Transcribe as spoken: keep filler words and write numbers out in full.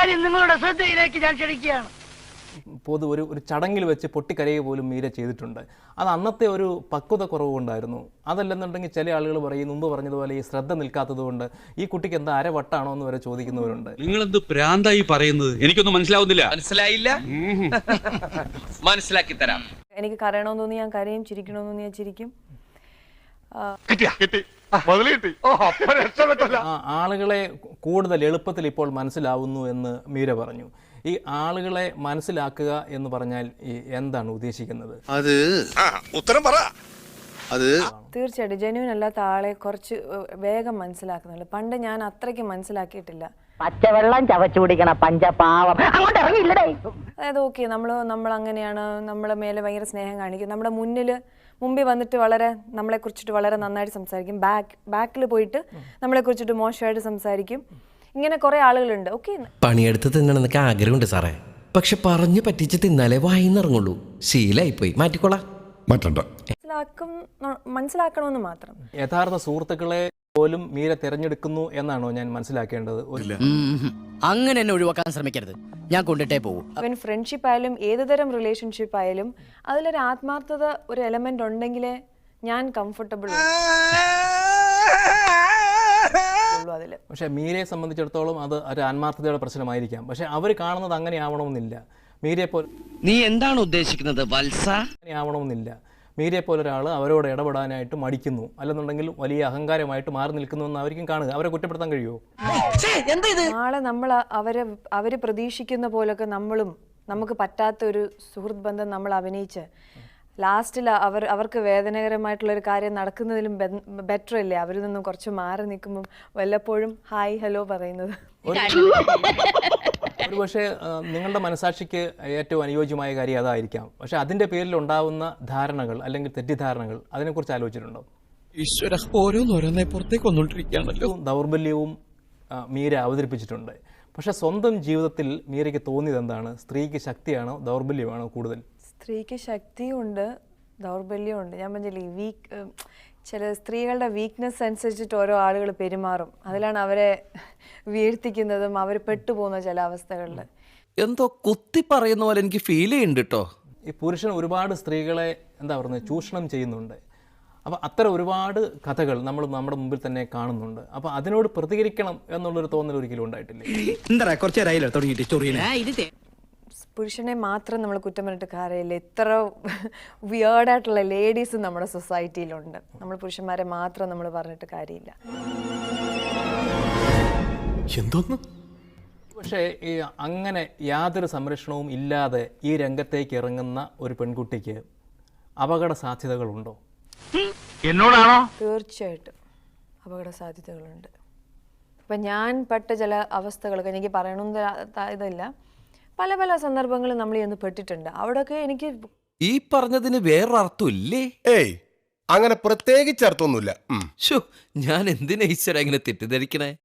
കാര്യം നിങ്ങളുടെ ശ്രദ്ധയിലേക്ക് ഞാൻ ക്ഷണിക്കുകയാണ്. പൊതു ഒരു ഒരു ചടങ്ങിൽ വെച്ച് പൊട്ടിക്കരയുക പോലും മീര ചെയ്തിട്ടുണ്ട്. അത് അന്നത്തെ ഒരു പക്വത കുറവ് കൊണ്ടായിരുന്നു. അതല്ലെന്നുണ്ടെങ്കിൽ ചില ആളുകൾ പറയും, മുമ്പ് പറഞ്ഞതുപോലെ ഈ ശ്രദ്ധ നിൽക്കാത്തത് കൊണ്ട് ഈ കുട്ടിക്ക് എന്താ അരവട്ടാണോ എന്ന് വരെ ചോദിക്കുന്നവരുണ്ട്. നിങ്ങളെന്ത് പ്രാന്തായി പറയുന്നത്? എനിക്കൊന്നും മനസ്സിലാവുന്നില്ല. മനസ്സിലായില്ല? മനസ്സിലാക്കി തരാം. എനിക്ക് കരയണമെന്ന് തോന്നി ഞാൻ കരയും, ചിരിക്കണമെന്ന് തോന്നി ഞാൻ ചിരിക്കും. ആളുകളെ കൂടുതൽ എളുപ്പത്തിൽ ഇപ്പോൾ മനസ്സിലാവുന്നു എന്ന് മീര പറഞ്ഞു. ഈ ആളുകളെ മനസ്സിലാക്കുക എന്ന് പറഞ്ഞാൽ എന്താണ് ഉദ്ദേശിക്കുന്നത്? അത് ഉത്തരം പറ. അത് തീർച്ചയായിട്ടും ജെന്യൂൻ അല്ലാത്ത ആളെ കുറച്ച് വേഗം മനസ്സിലാക്കുന്നുണ്ട്. പണ്ട് ഞാൻ അത്രയ്ക്ക് മനസ്സിലാക്കിയിട്ടില്ല. പച്ചവെള്ളം ചവച്ചു കുടിക്കണ പഞ്ചപാവം അങ്ങോട്ട് ഇറങ്ങിയില്ലടേ. അതായത് ഓക്കെ, നമ്മൾ നമ്മൾ അങ്ങനെയാണ്, നമ്മളെ മേലെ ഭയങ്കര സ്നേഹം കാണിക്കും, നമ്മുടെ മുന്നിൽ മുമ്പിൽ വന്നിട്ട് വളരെ നമ്മളെ കുറിച്ചിട്ട് വളരെ നന്നായിട്ട് സംസാരിക്കും, ബാക്ക് ബാക്കിൽ പോയിട്ട് നമ്മളെ കുറിച്ചിട്ട് മോശമായിട്ട് സംസാരിക്കും. ഇങ്ങനെ കുറെ ആളുകളുണ്ട്. ഓക്കെ, പണിയെടുത്ത് തിന്നണമെന്നൊക്കെ ആഗ്രഹമുണ്ട് സാറേ, പക്ഷെ പറഞ്ഞു പറ്റിച്ച് തിന്നാലേ വായിന്നിറങ്ങുള്ളൂ. ശീലായിപ്പോയി, മാറ്റിക്കോളാം. മനസ്സിലാക്കും മനസ്സിലാക്കണമെന്ന് മാത്രം. യഥാർത്ഥ സുഹൃത്തുക്കളെ പോലും മീര തിരഞ്ഞെടുക്കുന്നു എന്നാണോ ഞാൻ മനസ്സിലാക്കേണ്ടത്? അങ്ങനെ എന്നെ ഒഴിവാക്കാൻ ശ്രമിക്കരുത്, ഞാൻ കൊണ്ടിട്ടേ പോകും. അവൻ ഫ്രണ്ട്ഷിപ്പ് ആയാലും ഏതുതരം റിലേഷൻഷിപ്പ് ആയാലും അതിലൊരു ആത്മാർത്ഥത ഒരു എലമെന്റ് ഉണ്ടെങ്കിലേ ഞാൻ കംഫർട്ടബിൾ. പക്ഷെ മീരയെ സംബന്ധിച്ചിടത്തോളം അത് ഒരു ആത്മാർത്ഥതയുടെ പ്രശ്നമായിരിക്കാം. പക്ഷെ അവർ കാണുന്നത് അങ്ങനെ ആവണമെന്നില്ല. മീരയെ പോലെ നീ എന്താണ് ഉദ്ദേശിക്കുന്നത് വത്സ? അങ്ങനെ ആവണമെന്നില്ല. മീരയെ പോലെ ഒരാൾ അവരോട് ഇടപെടാനായിട്ട് മടിക്കുന്നു, അല്ലെന്നുണ്ടെങ്കിൽ വലിയ അഹങ്കാരമായിട്ട് മാറി നിൽക്കുന്നു എന്ന് അവർക്കും കാണുക. അവരെ കുറ്റപ്പെടുത്താൻ കഴിയുമോ? നാളെ നമ്മൾ അവരെ അവര് പ്രതീക്ഷിക്കുന്ന പോലൊക്കെ നമ്മളും നമുക്ക് പറ്റാത്ത ഒരു സുഹൃത്ത് ബന്ധം നമ്മൾ അഭിനയിച്ച് ലാസ്റ്റിൽ അവർ അവർക്ക് വേദനകരമായിട്ടുള്ളൊരു കാര്യം നടക്കുന്നതിലും ബെറ്റർ അല്ലേ അവരിൽ നിന്നും കുറച്ച് മാറി നിൽക്കുമ്പം വല്ലപ്പോഴും ഹായ് ഹലോ പറയുന്നത്? ഒരു പക്ഷേ നിങ്ങളുടെ മനസാക്ഷിക്ക് ഏറ്റവും അനുയോജ്യമായ കാര്യം അതായിരിക്കാം. പക്ഷെ അതിൻ്റെ പേരിൽ ഉണ്ടാവുന്ന ധാരണകൾ അല്ലെങ്കിൽ തെറ്റിദ്ധാരണകൾ, അതിനെക്കുറിച്ച് ആലോചിച്ചിട്ടുണ്ടോ? ഈശ്വര, ഓരോന്നോരോന്നെ പുറത്തേക്ക് വന്നുകൊണ്ടിരിക്കുകയാണല്ലോ. ദൗർബല്യവും മീര അവതരിപ്പിച്ചിട്ടുണ്ട്. പക്ഷെ സ്വന്തം ജീവിതത്തിൽ മീരയ്ക്ക് തോന്നിയത് എന്താണ്? സ്ത്രീക്ക് ശക്തിയാണോ ദൗർബല്യമാണോ കൂടുതൽ? സ്ത്രീക്ക് ശക്തിയുണ്ട്, ദൗർബല്യമുണ്ട്. ഞാൻ പറഞ്ഞില്ലേ, വീക്ക് ചില സ്ത്രീകളുടെ വീക്ക്നെസ് അനുസരിച്ചിട്ട് ഓരോ ആളുകൾ പെരുമാറും. അതിലാണ് അവരെ വീഴ്ത്തിക്കുന്നതും അവർ പെട്ടുപോകുന്ന ചില അവസ്ഥകളിൽ. എന്തോ കുത്തി പറയുന്ന പോലെ എനിക്ക് ഫീൽ ചെയ്യുന്നുണ്ട് കേട്ടോ. ഈ പുരുഷൻ ഒരുപാട് സ്ത്രീകളെ എന്താ പറയുന്നത് ചൂഷണം ചെയ്യുന്നുണ്ട്. അപ്പോൾ അത്തരം ഒരുപാട് കഥകൾ നമ്മൾ നമ്മുടെ മുമ്പിൽ തന്നെ കാണുന്നുണ്ട്. അപ്പോൾ അതിനോട് പ്രതികരിക്കണം എന്നുള്ളൊരു തോന്നൽ ഒരിക്കലും ഉണ്ടായിട്ടില്ലേ? പുരുഷനെ മാത്രം നമ്മൾ കുറ്റം പറഞ്ഞിട്ട് കാര്യമില്ല. ഇത്ര വിയേർഡായിട്ടുള്ള ലേഡീസ് നമ്മുടെ സൊസൈറ്റിയിലുണ്ട്. നമ്മൾ പുരുഷന്മാരെ മാത്രം നമ്മൾ പറഞ്ഞിട്ട് കാര്യമില്ല. എന്തോന്ന്? പക്ഷേ ഈ അങ്ങനെ യാതൊരു സംരക്ഷണവും ഇല്ലാതെ ഈ രംഗത്തേക്ക് ഇറങ്ങുന്ന ഒരു പെൺകുട്ടിക്ക് അപകട സാധ്യതകളുണ്ടോ? എന്നോടാണോ? തീർച്ചയായിട്ടും അപകട സാധ്യതകളുണ്ട്. ഇപ്പം ഞാൻ പെട്ട ചില അവസ്ഥകളൊക്കെ എനിക്ക് പറയണമെന്ന് ഇതില്ല. പല പല സന്ദർഭങ്ങളിൽ നമ്മൾ ചെന്ന് പെട്ടിട്ടുണ്ട്. അവിടെയൊക്കെ എനിക്ക് ഈ പറഞ്ഞതിന് വേറൊരർത്ഥം ഇല്ലേ? ഏയ്, അങ്ങനെ പ്രത്യേകിച്ച് അർത്ഥമൊന്നുമില്ല. ഞാൻ എന്തിനാ ഈശ്വര ഇങ്ങനെ തെറ്റിദ്ധരിക്കണേ?